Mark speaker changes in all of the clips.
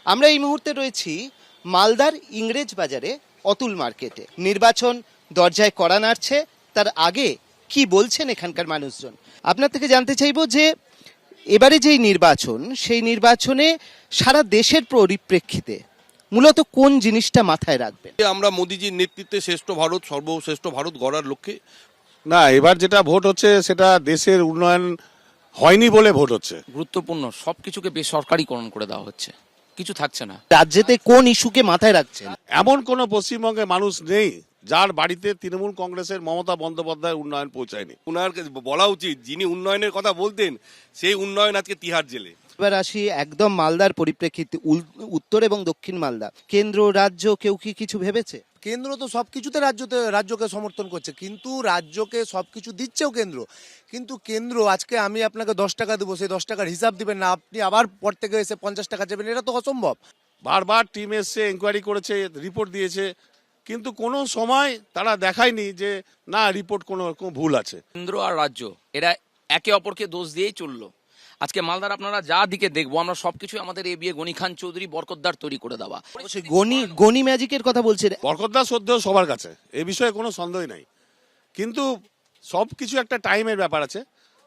Speaker 1: আমরা এই মুহূর্তে রয়েছি মালদার ইংরেজ বাজারে অতুল মার্কেটে। নির্বাচন দরজায় কড়া নাড়ছে, তার আগে কি বলছেন এখানকার মানুষজন আপনার থেকে জানতে চাইবো যে এবারে যেই নির্বাচন, সেই নির্বাচনে সারা দেশের পরিপ্রেক্ষিতে মূলত কোন জিনিসটা মাথায় রাখবেন?
Speaker 2: আমরা মোদিজির নেতৃত্বে শ্রেষ্ঠ ভারত, সর্বশ্রেষ্ঠ ভারত গড়ার লক্ষ্যে।
Speaker 3: না, এবার যেটা ভোট হচ্ছে সেটা দেশের উন্নয়ন হয়নি বলে ভোট হচ্ছে।
Speaker 4: গুরুত্বপূর্ণ সবকিছুকে বেসরকারিকরণ করে দেওয়া হচ্ছে, কিছু থাকছে না।
Speaker 1: রাজ্যেতে কোন ইস্যুকে মাথায় রাখছেন?
Speaker 3: এমন কোন পশ্চিমবঙ্গে মানুষ নেই যার বাড়িতে তৃণমূল কংগ্রেসের মমতা বন্দ্যোপাধ্যায়ের উন্নয়ন পৌঁছায়নি।
Speaker 2: উনার বলা উচিত, যিনি উন্নয়নের কথা বলতেন সেই উন্নয়ন আজকে তিহার জেলে।
Speaker 1: এবার আসি একদম মালদার পরিপ্রেক্ষিতে, উত্তর এবং দক্ষিণ মালদা, কেন্দ্র রাজ্য কেউ কি কিছু ভেবেছে?
Speaker 5: কেন্দ্র তো সবকিছুতে রাজ্যকে সমর্থন করছে, কিন্তু রাজ্যকে সবকিছু দিচ্ছেও কেন্দ্র। কিন্তু কেন্দ্র আজকে আমি আপনাকে 10 টাকা দেবো, সেই 10 টাকার হিসাব দিবেন না, আপনি আবার পর থেকে এসে 50 টাকা দেবেন, এটা তো অসম্ভব।
Speaker 3: বারবার টিম এসছে, এনকোয়ারি করেছে, রিপোর্ট দিয়েছে, কিন্তু কোনো সময় তারা দেখায়নি যে না রিপোর্ট কোনো রকম ভুল আছে।
Speaker 4: কেন্দ্র আর রাজ্য এরা একে অপরকে দোষ দিয়েই চললো। আজকে মালদার আপনারা যা দিকে দেখবো, আমরা সবকিছু আমাদের এ বিয়ে গনি খান চৌধুরী বরকতদার তৈরি করে দেওয়া।
Speaker 1: গনি ম্যাজিকের কথা বলছেন?
Speaker 3: বরকতদার শ্রদ্ধেয় সবার কাছে, এ বিষয়ে কোনো সন্দেহ নাই, কিন্তু সব কিছু একটা টাইমের ব্যাপার আছে।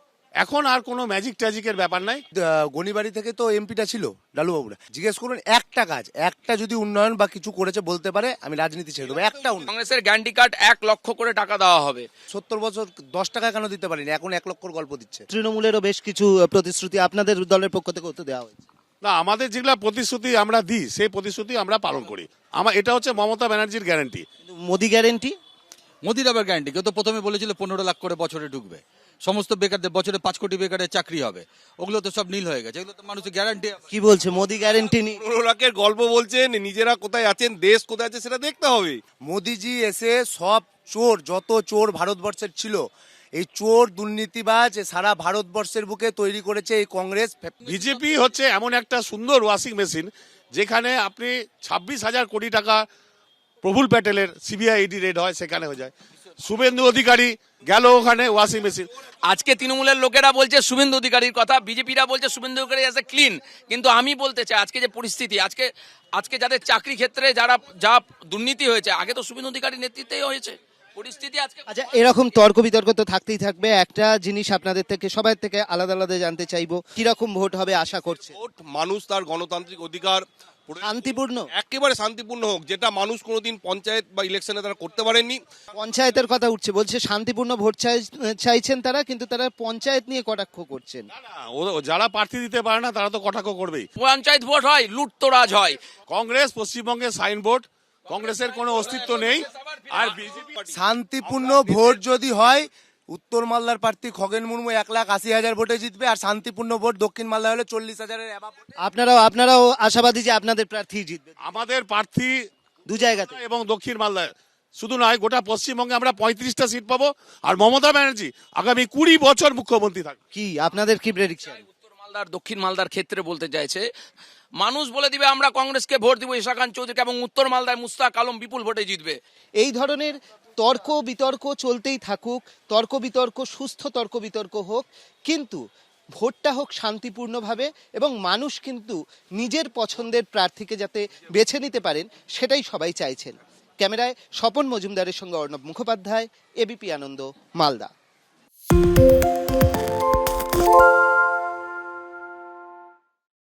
Speaker 3: এখন আর কোনো ম্যাজিক ট্যাজিকের ব্যাপার নাই।
Speaker 5: গণিবাড়ি থেকে তো এমপিটা ছিল লালুবাবুরা, জিজ্ঞেস করুন একটা কাজ, একটা যদি উন্নয়ন বা কিছু করেছে বলতে পারে, আমি রাজনীতি ছেড়ে দেবো। একটা
Speaker 4: কংগ্রেসের গ্যারান্টি কার্ড 1 লক্ষ করে টাকা দেওয়া হবে।
Speaker 5: 70 বছর 10 টাকা কেন দিতে পারিনি, এখন 1 লক্ষর গল্প দিচ্ছে।
Speaker 1: তৃণমূলেরও বেশ কিছু প্রতিশ্রুতি আপনাদের দলের পক্ষ থেকে করতে দেওয়া হয়েছে।
Speaker 3: না, আমাদের যেগুলা প্রতিশ্রুতি আমরা দিই সেই প্রতিশ্রুতি আমরা পালন করি। এটা হচ্ছে মমতা ব্যানার্জির গ্যারান্টি।
Speaker 1: মোদি গ্যারেন্টি?
Speaker 6: মোদির আবার গ্যারান্টি, কেউ তো প্রথমে বলেছিল 15 লাখ করে বছরে ঢুকবে, সমস্ত বেকারদের বছরে 5 কোটি বেকারের চাকরি হবে, ওগুলো তো সব নীল হয়ে গেছে। এগুলো তো মানুষের গ্যারান্টি।
Speaker 1: কি বলছে মোদি গ্যারেন্টি নেই?
Speaker 2: 15 লাখের গল্প বলছেন, নিজেরা কোথায় আছেন, দেশ কোথায় আছে সেটা দেখতে হবে।
Speaker 5: মোদিজি এসে সব চোর, যত চোর ভারতবর্ষের ছিল, এই চোর দুর্নীতিবাজ সারা ভারতবর্ষের বুকে তৈরি করেছে এই কংগ্রেস।
Speaker 3: বিজেপি হচ্ছে এমন একটা সুন্দর ওয়াশিং মেশিন যেখানে আপনি 26,000 কোটি টাকা প্রফুল প্যাটেলের সিবিআই ইডি রেড হয়, সেখানে হয়ে যায়। শুভেন্দু অধিকারী গেল ওখানে, ওয়াশিং মেশিন।
Speaker 4: আজকে তৃণমূলের লোকেরা বলছে শুভেন্দু অধিকারীর কথা, বিজেপিরা বলছে Suvendu Adhikari as a clean. কিন্তু আমি বলতে চাই, আজকে যে পরিস্থিতি, আজকে যাদের চাকরি ক্ষেত্রে যা দুর্নীতি হয়েছে, আগে তো শুভেন্দু অধিকারীর নেতৃত্বেই হয়েছে। পরিস্থিতি আজকে
Speaker 1: আচ্ছা, এরকম তর্ক বিতর্ক তো থাকতেই থাকবে। একটা জিনিস আপনাদের থেকে সবার থেকে আলাদা আলাদা জানতে চাইবো, কিরকম ভোট হবে আশা করছে?
Speaker 2: ভোট মানুষ তার গণতান্ত্রিক অধিকার
Speaker 1: শান্তিপূর্ণ,
Speaker 2: একেবারে শান্তিপূর্ণ হোক, যেটা মানুষ কোনোদিন পঞ্চায়েত বা ইলেকশনে তারা করতে পারেননি।
Speaker 1: পঞ্চায়েতের কথা উঠছে, বলছে শান্তিপূর্ণ ভোট চাইছেন তারা, কিন্তু তারা পঞ্চায়েত নিয়ে কটাক্ষ করছেন।
Speaker 3: যারা প্রার্থী দিতে পারে না তারা তো কটাক্ষ করবেই।
Speaker 4: পঞ্চায়েত ভোট হয়, লুটতরাজ হয়।
Speaker 3: কংগ্রেস পশ্চিমবঙ্গে সাইনবোর্ড, কংগ্রেসের কোনো অস্তিত্ব নেই। আর বিজেপি
Speaker 5: শান্তিপূর্ণ ভোট যদি হয়, উত্তর মালদার প্রার্থী খগেন মুর্মু 1,80,000 ভোটে জিতবে, আর শান্তিপূর্ণ ভোট দক্ষিণ মালদা হলে 40,000-এর অ্যাবাভ।
Speaker 1: আপনারাও আশাবাদী যে আপনাদের প্রার্থী জিতবে?
Speaker 3: আমাদের প্রার্থী
Speaker 1: দু জায়গাতে
Speaker 3: এবং দক্ষিণ মালদায় শুধু নয়, গোটা পশ্চিমবঙ্গে আমরা 35টা সিট পাবো। আর মমতা ব্যানার্জি আগামী 20 বছর মুখ্যমন্ত্রী থাকবে।
Speaker 1: কি আপনাদের কি প্রেডিকশন?
Speaker 4: উত্তর মালদার দক্ষিণ মালদার ক্ষেত্রে বলতে চাইছে, মানুষ বলে দিবে আমরা কংগ্রেসকে ভোট দিব ঈশা খান চৌধুরীকে, এবং উত্তর মালদায় মুস্তাক আলম বিপুল ভোটে জিতবে।
Speaker 1: এই ধরনের তর্ক বিতর্ক চলতেই থাকুক, তর্ক বিতর্ক সুস্থ তর্ক বিতর্ক হোক, কিন্তু ভোটটা হোক শান্তিপূর্ণভাবে, এবং মানুষ কিন্তু নিজের পছন্দের প্রার্থীকে যাতে বেছে নিতে পারেন সেটাই সবাই চাইছেন। ক্যামেরায় স্বপন মজুমদারের সঙ্গে অর্ণব মুখোপাধ্যায়, এবিপি আনন্দ, মালদা।